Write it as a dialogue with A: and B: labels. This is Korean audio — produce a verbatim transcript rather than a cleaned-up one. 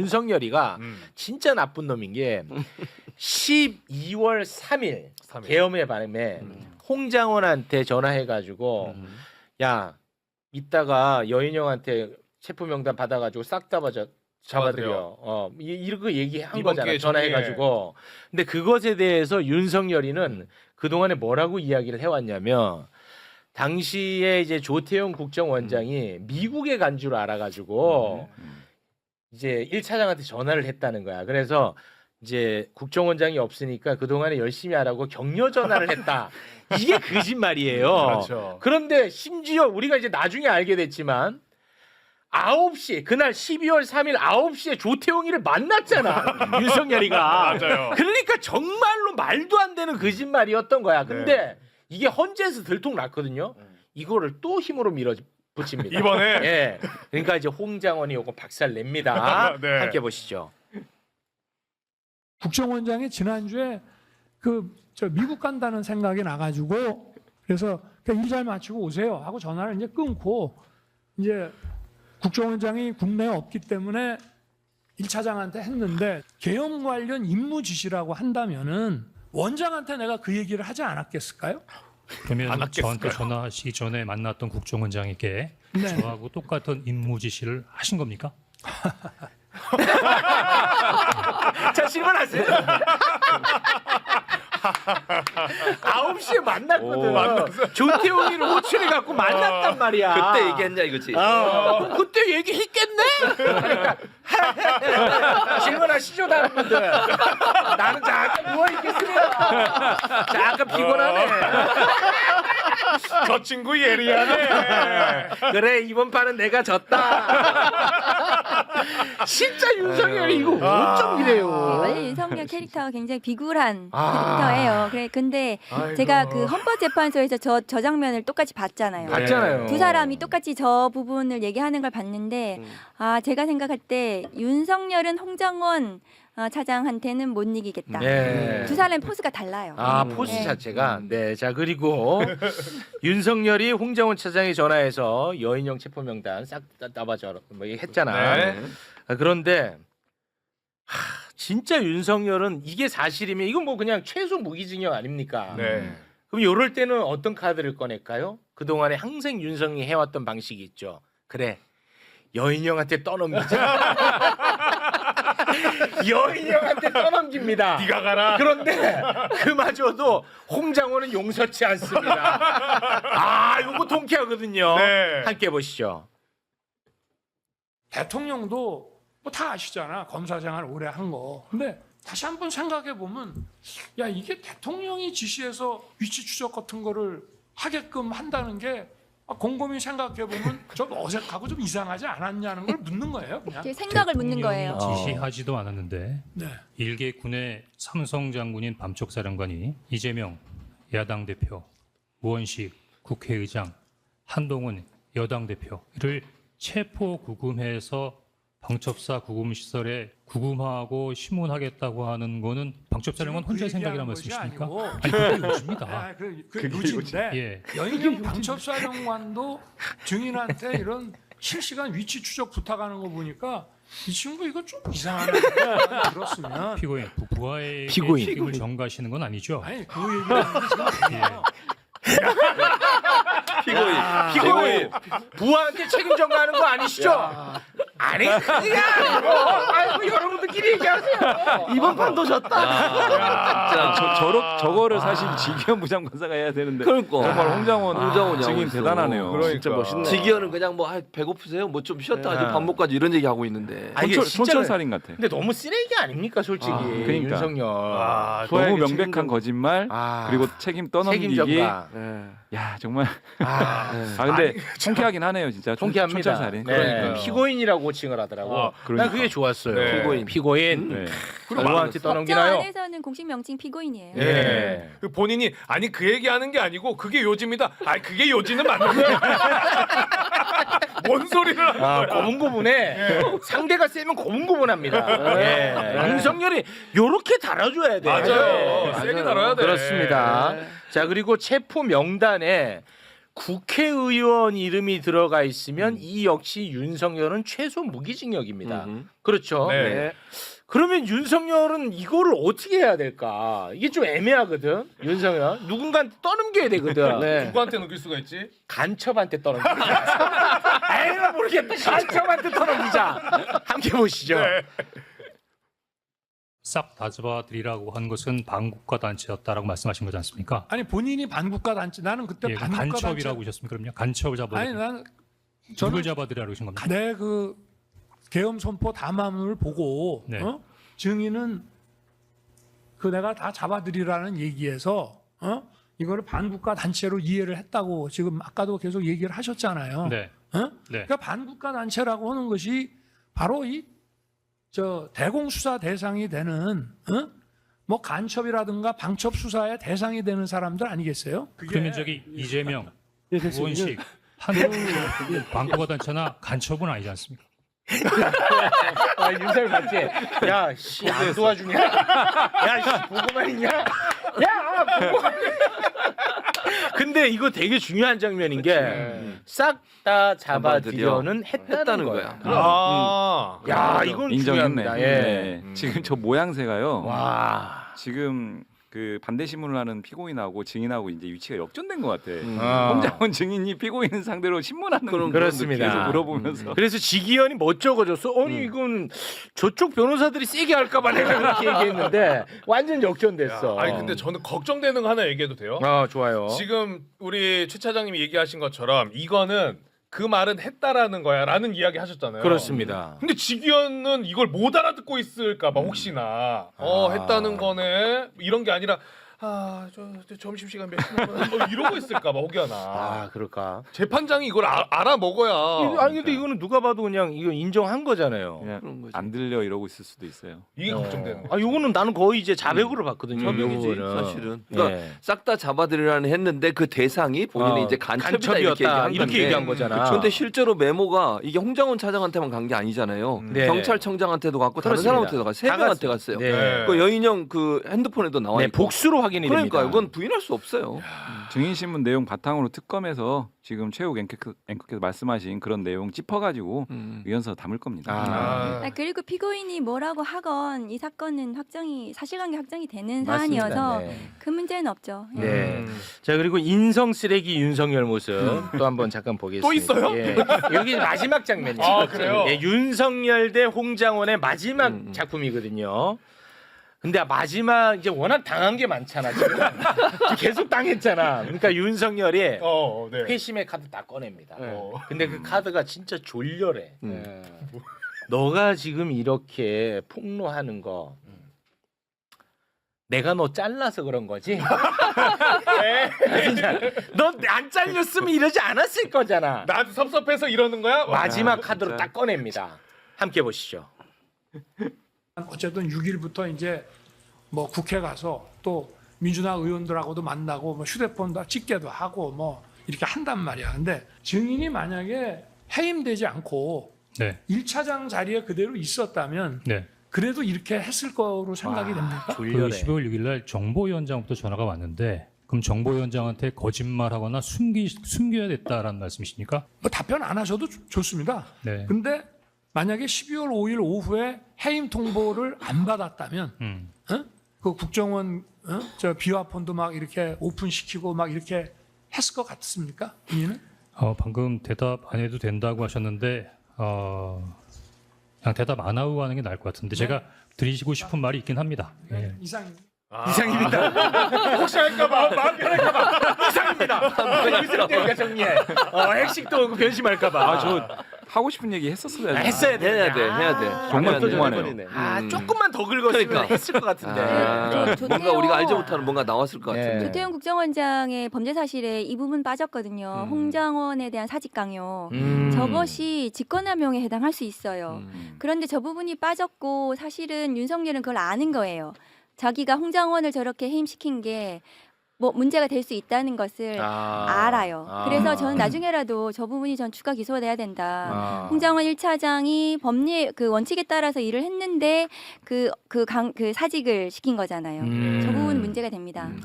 A: 윤석열이가
B: 음.
A: 진짜 나쁜 놈인 게 십이월 삼일
B: 삼일.
A: 계엄의 밤에
B: 음.
A: 홍장원한테 전화해가지고
B: 음.
A: 야 이따가 여인형한테 체포 명단 받아가지고 싹 다 잡아드려.
B: 잡아드려.
A: 어 이- 이렇게 얘기한
B: 이번
A: 거잖아.
B: 기회에
A: 전화해가지고. 근데 그것에 대해서 윤석열이는 그 동안에 뭐라고 이야기를 해왔냐면 당시에 이제 조태용 국정원장이 미국에 간 줄 알아가지고 이제 일 차장한테 전화를 했다는 거야. 그래서 이제 국정원장이 없으니까 그 동안에 열심히 하라고 격려 전화를 했다. 이게 거짓말이에요.
B: 그렇죠.
A: 그런데 심지어 우리가 이제 나중에 알게 됐지만 아홉 시 그날 십이월 삼일 아홉 시에 조태용이를 만났잖아. 윤석열이가.
B: 맞아요.
A: 그러니까 정말로 말도 안 되는 거짓말이었던 거야. 근데 이게 헌재에서 들통 났거든요. 이거를 또 힘으로 밀어붙입니다.
B: 이번에
A: 예. 그러니까 이제 홍장원이 요거 박살 냅니다.
B: 네.
A: 함께 보시죠.
C: 국정원장이 지난주에 그 저 미국 간다는 생각이 나가지고 그래서 일 잘 마치고 오세요 하고 전화를 이제 끊고 이제 국정원장이 국내에 없기 때문에 일 차장한테 했는데 계엄 관련 임무 지시라고 한다면은 원장한테 내가 그 얘기를 하지 않았겠을까요?
D: 그러면
B: 안
D: 저한테
B: 했겠을까요?
D: 전화하시기 전에 만났던 국정원장에게
C: 네.
D: 저하고 똑같은 임무 지시를 하신 겁니까?
A: 자 질문하세요. 아홉 시에 만났거든. 조태용이를 호출해 갖고 만났단 말이야.
E: 그때 얘기했냐 이거지.
A: 어, 그때 얘기했겠네. 그러니까 질문하시죠 다른 분들. 나는 잠깐 누워 있겠습니다. 잠깐 피곤하네.
B: 저 친구 예리하네.
A: 그래 이번 판은 내가 졌다. 진짜 윤석열이 이거 어쩜 이래요.
F: 원래 윤석열 캐릭터가 굉장히 비굴한
A: 아.
F: 캐릭터예요. 그래 근데
A: 아이고.
F: 제가 그 헌법재판소에서 저, 저 장면을 똑같이 봤잖아요.
A: 봤잖아요.
F: 두 사람이 똑같이 저 부분을 얘기하는 걸 봤는데 아 제가 생각할 때 윤석열은 홍장원 어, 차장한테는 못 이기겠다.
A: 네.
F: 두 사람의 포스가 달라요.
A: 아
E: 음.
A: 포스
F: 네.
A: 자체가 네 자 그리고 윤석열이 홍장원 차장에 전화해서 여인형 체포 명단 싹 따봐줘 뭐 했잖아.
B: 네.
A: 아, 그런데 하, 진짜 윤석열은 이게 사실이면 이건 뭐 그냥 최소 무기징역 아닙니까?
B: 네.
A: 그럼 이럴 때는 어떤 카드를 꺼낼까요? 그 동안에 항상 윤석이 해왔던 방식이 있죠. 그래 여인형한테 떠넘기자. 여인형한테 떠넘깁니다.
B: 네가 가라.
A: 그런데 그마저도 홍장원은 용서치 않습니다. 아, 요거 통쾌하거든요.
B: 네.
A: 함께 보시죠.
C: 대통령도 뭐 다 아시잖아. 검사 생활 오래 한 거. 근데 다시 한번 생각해 보면 야 이게 대통령이 지시해서 위치 추적 같은 거를 하게끔 한다는 게 곰곰이 생각해 보면 좀 어색하고 좀 이상하지 않았냐는 걸 묻는 거예요. 그냥.
F: 그 생각을 묻는 거예요.
D: 대통령이 지시하지도 않았는데
C: 네.
D: 일개 군의 삼성 장군인 밤쪽사령관이 이재명 야당 대표, 우원식 국회의장, 한동훈 여당 대표를 체포 구금해서 방첩사 구금시설에 구금하고 심문하겠다고 하는 거는 방첩사령관
C: 지금
D: 혼자
C: 그
D: 생각이란
C: 얘기하는 것이
D: 말씀이십니까?
C: 아니고.
D: 아니 그게 요즘이다.
C: 아, 그, 그 요지인데
D: 예.
C: 여인형 방첩사령관도 증인한테 이런 실시간 위치 추적 부탁하는 거 보니까 이 친구 이거 좀 이상하다 들었으면
D: 피고인 부- 부하에게
A: 피고인.
D: 책임을 전가하시는 건 아니죠?
C: 아니 그 얘기는 지금 아니에요.
E: 피고인.
A: 피고인 부하한테 책임 전가하는 거 아니시죠? 아니 그게 아니고 아이고 여러분들끼리 얘기하세요.
G: 이번 판도 졌다.
E: 자,
G: 저, 저러, 저거를 사실 지기현 부장판사가 해야 되는데
E: 그러니까.
G: 정말 홍장원
E: 홍장원이
G: 증인
E: 하고 있어.
G: 대단하네요.
B: 그러니까.
G: 진짜 멋있네.
E: 지기현은 그냥 뭐 아, 배고프세요? 뭐 좀 쉬었다
A: 네.
E: 하지 밥 먹고 가지 이런 얘기 하고 있는데.
A: 아, 이게
G: 촌철,
A: 진짜
G: 촌철살인 같아.
A: 근데 너무 쓰레기 아닙니까 솔직히
G: 아, 그러니까.
A: 윤석열.
B: 아,
G: 너무
A: 소액의
G: 명백한
A: 책임
G: 거짓말
A: 아,
G: 그리고 책임 떠넘기기.
A: 책임 전가.
E: 네.
G: 야 정말.
A: 아,
G: 아 근데 통쾌하긴 하네요 진짜. 촌-
A: 통쾌합니다.
G: 촌철살인.
A: 네.
B: 그러니까요.
A: 피고인이라고 호칭을 하더라고.
B: 아,
A: 난
G: 그러니까.
A: 그게 좋았어요.
B: 네.
A: 피고인. 피고인.
G: 네.
A: 누구한테
F: 법정
A: 떠넘기나요?
F: 안에서는 공식 명칭 피고인이에요.
A: 예.
B: 예. 그 본인이 아니 그 얘기하는 게 아니고 그게 요지입니다. 아니 그게 요지는 맞는 거야. 뭔 소리를 하는
A: 아,
B: 거야.
A: 고분고분해. 상대가 세면 고분고분합니다. 예. 윤석열이 요렇게 달아줘야 돼.
B: 맞아요. 세게 달아야 돼.
A: 그렇습니다. 자, 그리고 체포 명단에 국회의원 이름이 들어가 있으면 이 역시 윤석열은 최소 무기징역입니다.
E: 음흠.
A: 그렇죠.
B: 네.
A: 그러면 윤석열은 이거를 어떻게 해야 될까? 이게 좀 애매하거든. 윤석열 누군가한테 떠넘겨야 되거든.
E: 네.
B: 누구한테 넘길 수가 있지?
A: 간첩한테 떠넘기자. 에이 모르겠다. 간첩한테 떠넘기자. 함께 보시죠.
B: 네.
D: 싹 다 잡아들이라고 한 것은 반국가 단체였다라고 말씀하신 거지 않습니까?
C: 아니 본인이 반국가 단체 나는 그때
D: 예,
C: 반국가
D: 간첩이라고 하셨습니까? 그럼요. 간첩을
C: 단체
D: 잡아.
C: 아니 나는
D: 누굴
C: 저는
D: 잡아들이라고 하신 겁니까?
C: 내 그 계엄 선포 담화문을 보고
D: 네.
C: 어? 증인은 그 내가 다 잡아들이라는 얘기에서 어? 이거를 반국가 단체로 이해를 했다고 지금 아까도 계속 얘기를 하셨잖아요.
D: 네.
C: 어?
D: 네.
C: 그러니까 반국가 단체라고 하는 것이 바로 이 저 대공 수사 대상이 되는 어? 뭐 간첩이라든가 방첩 수사의 대상이 되는 사람들 아니겠어요?
D: 그러면 저기 이재명, 우원식, 한국 반국가 단체나 간첩은 아니지 않습니까?
A: 아, 윤석열 맞지? 야, 씨, 안 도와주냐? 야, 씨, 보고만 있냐? 야, 보고만. 근데 이거 되게 중요한 장면인 게 싹 다 잡아들여는 했다는,
E: 했다는
A: 거야.
E: 거야.
B: 아.
A: 야, 이건
G: 인정했네.
A: 중요합니다. 예.
G: 네.
B: 음.
G: 지금 저 모양새가요.
A: 와.
G: 지금 그 반대 신문을 하는 피고인하고 증인하고 이제 위치가 역전된 것 같아.
E: 음.
A: 어.
G: 홍장원 증인이 피고인 상대로 신문하는
E: 그런-
A: 그렇습니다.
G: 계속 물어보면서
A: 그래서 지기현이 못 적어줬어. 아니 이건 저쪽 변호사들이 세게 할까봐 내가 그렇게 얘기했는데 완전 역전됐어.
B: 야, 아니 근데 저는 걱정되는 거 하나 얘기해도 돼요?
A: 아 좋아요.
B: 지금 우리 최 차장님이 얘기하신 것처럼 이거는 그 말은 했다라는 거야라는 이야기 하셨잖아요.
A: 그렇습니다.
B: 근데 지기현은 이걸 못 알아듣고 있을까봐 혹시나 어
A: 아.
B: 했다는 거네 이런 게 아니라 아저 저 점심 시간 몇 시나 뭐 이러고 있을까봐 혹여나
A: 아 그럴까?
B: 재판장이 이걸 아, 알아 먹어야.
A: 이거- 아니 근데 이거는 누가 봐도 그냥 이거 인정한 거잖아요.
G: 그냥
E: 그런 거지.
G: 안 들려 이러고 있을 수도 있어요.
B: 이게 걱정되는 거.
A: 아 요거는 나는 거의 이제 자백으로 봤거든요.
E: 음,
A: 이 부분은.
E: 사실은. 그러니까
A: 예.
E: 싹 다 잡아들이라는 했는데 그 대상이 본인이
A: 어,
E: 이제 간첩이다 이렇게
A: 간첩이었다
E: 얘기한
A: 이렇게
E: 건데.
A: 얘기한 거잖아.
E: 그런데 실제로 메모가 이게 홍장원 차장한테만 간 게 아니잖아요.
A: 네.
E: 경찰청장한테도 갔고 다른
A: 그렇습니다.
E: 사람한테도 갔고 세
A: 다
E: 명한테
A: 갔어요.
E: 갔어요.
A: 네.
E: 그 여인형 그 핸드폰에도 나와
A: 네,
E: 있고.
A: 복수로 확인이
E: 그러니까
A: 됩니다.
E: 이건 부인할 수 없어요.
G: 증인신문 내용 바탕으로 특검에서 지금 최욱 앵커, 앵커께서 말씀하신 그런 내용 짚어가지고
E: 음.
G: 위헌서 담을 겁니다.
A: 아.
B: 아.
F: 아, 그리고 피고인이 뭐라고 하건 이 사건은 확정이 사실관계 확정이 되는
A: 맞습니다.
F: 사안이어서
A: 네.
F: 그 문제는 없죠. 예.
A: 네.
B: 음.
A: 자 그리고 인성 쓰레기 윤석열 모습 또 한번 잠깐 보겠습니다.
B: 또 있어요?
A: 예. 여기 마지막 장면이에요.
B: 아, 그래요?
A: 예, 윤석열 대 홍장원의 마지막
E: 음, 음.
A: 작품이거든요. 근데 마지막 이제 워낙 당한 게 많잖아 지금 계속 당했잖아. 그러니까 윤석열이
B: 어, 네.
A: 회심의 카드 딱 꺼냅니다.
B: 어.
A: 근데 그 카드가 진짜 졸렬해.
E: 음.
A: 예. 너가 지금 이렇게 폭로하는 거 내가 너 잘라서 그런 거지? 너 안 잘렸으면 이러지 않았을 거잖아.
B: 나한테 섭섭해서 이러는 거야?
A: 마지막
G: 야,
A: 카드로
G: 진짜.
A: 딱 꺼냅니다. 함께 보시죠.
C: 어쨌든 육 일부터 이제 뭐 국회 가서 또 민주당 의원들하고도 만나고 뭐 휴대폰도 찍게도 하고 뭐 이렇게 한단 말이야. 근데 증인이 만약에 해임되지 않고
D: 네.
C: 일 차장 자리에 그대로 있었다면
D: 네.
C: 그래도 이렇게 했을 거로 생각이
A: 와,
C: 됩니까?
D: 그
A: 졸렬해.
D: 십이월 육일 날 정보위원장부터 전화가 왔는데 그럼 정보위원장한테 거짓말하거나 숨기 숨겨야 됐다라는 말씀이십니까?
C: 뭐 답변 안 하셔도 좋- 좋습니다.
D: 네.
C: 근데 만약에 십이월 오일 오후에 해임 통보를 안 받았다면
D: 음.
C: 어? 그 국정원 어? 저 비화폰도 막 이렇게 오픈시키고 막 이렇게 했을 것 같습니까? 본인은?
D: 어, 방금 대답 안 해도 된다고 하셨는데 어, 그냥 대답 안 하고 가는 게 나을 것 같은데 제가 드리시고 싶은 말이 있긴 합니다. 예.
C: 이상
B: 아.
A: 이상입니다.
B: 혹시 할까봐 마음 편할까봐.
A: 이상입니다. 무슨 때니까 정리해. 어, 핵식도 오고 변심할까봐.
G: 아, 저 하고 싶은 얘기 했었어요.
A: 아, 했어야 돼.
E: 해야 돼, 해야 돼.
G: 정말
E: 해야 돼.
G: 궁금하네요.
A: 아
E: 음.
A: 조금만 더 긁었으면
E: 그러니까.
A: 했을 것 같은데.
E: 아,
F: 저- 조태용-
E: 뭔가 우리가 알지 못하는 뭔가 나왔을 것
A: 네.
E: 같은데.
F: 조태용 국정원장의 범죄 사실에 이 부분 빠졌거든요.
E: 음.
F: 홍장원에 대한 사직 강요.
A: 음.
F: 저것이 직권남용에 해당할 수 있어요.
E: 음.
F: 그런데 저 부분이 빠졌고 사실은 윤석열은 그걸 아는 거예요. 자기가 홍장원을 저렇게 해임시킨 게 뭐 문제가 될 수 있다는 것을
A: 아.
F: 알아요.
A: 아.
F: 그래서 저는 나중에라도 저 부분이 전 추가 기소돼야 된다.
A: 아.
F: 홍장원 일 차장이 법리 그 원칙에 따라서 일을 했는데 그 그 강 그 사직을 시킨 거잖아요.
A: 음.
F: 저 부분 문제가 됩니다.